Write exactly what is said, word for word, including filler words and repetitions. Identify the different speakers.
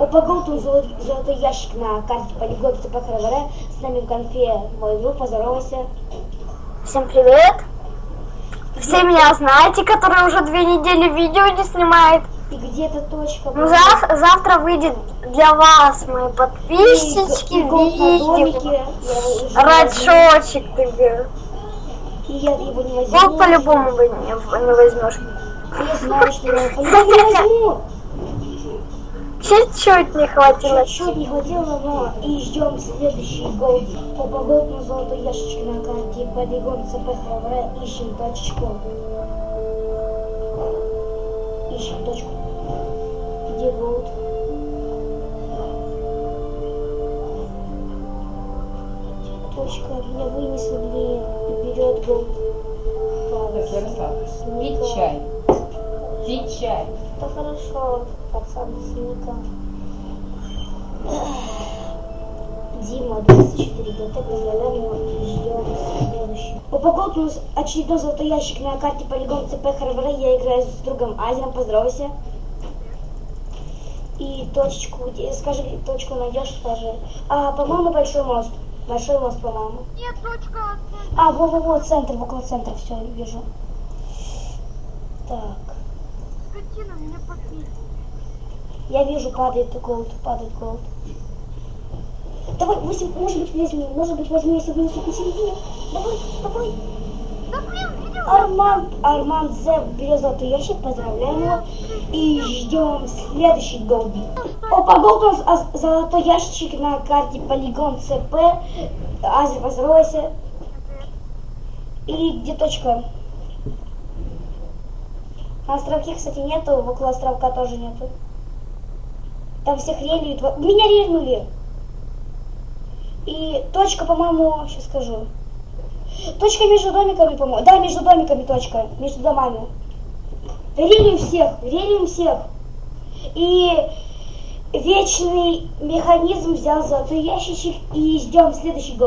Speaker 1: Упаковку золот, золотой ящик на карте полигон ЦП ХРВР. С нами в конфе мой друг, поздоровайся.
Speaker 2: Всем привет! Все меня знаете, которые уже две недели видео не снимает.
Speaker 1: И где эта точка?
Speaker 2: Ну, зав завтра выйдет для вас, мои подписчики, видео. Рачочек тебе.
Speaker 1: И я его не возьму.
Speaker 2: Вот по-любому вы не, не возьмешь.
Speaker 1: Я знаю, что я его не возьму.
Speaker 2: Чуть-чуть не хватило.
Speaker 1: Чуть-чуть не хватило, но и ждем следующий гол. По погодному золотой ящичке на карте полигон ЦП ХРВР. Ищем точку. Ищем точку. Где голд? Точка. Меня вынесли, блин. Вперед голд.
Speaker 3: Так, Ярослав, пить чай. Пить чай.
Speaker 1: Да хорошо, пацан, сника. Дима, двадцать четыре ГТ, поздравляем его, ждем следующий. Упаковка у нас очередной золотой ящик на карте полигон ЦП ХРВР. Я играю с другом Азером, поздоровайся. И точечку, где, скажи, точку найдешь, скажи. А, по-моему, большой мост. Большой мост, по-моему.
Speaker 4: Нет, точка.
Speaker 1: А, во-во-во, центр, около центра, все, вижу. Так.
Speaker 4: Скотина, меня попить.
Speaker 1: Я вижу, падает голд, падает голд. Давай, восемь, может быть, возьми, может быть, возьми, если вынесут на середине. Давай, давай.
Speaker 4: Да блин, видел?
Speaker 1: Арман, Арман Зе берет золотой ящик, поздравляем его. И ждем следующий голд. Опа, голд у нас а, золотой ящик на карте полигон ЦП. Азер, поздоровайся. И где точка? На островке, кстати, нету, около островка тоже нету. Там всех релиют. Меня рельнули. И точка, по-моему, сейчас скажу. Точка между домиками, по-моему. Да, между домиками точка. Между домами. Релием всех. Релием всех. И вечный механизм взял золотой ящичек. И ждем следующий гол.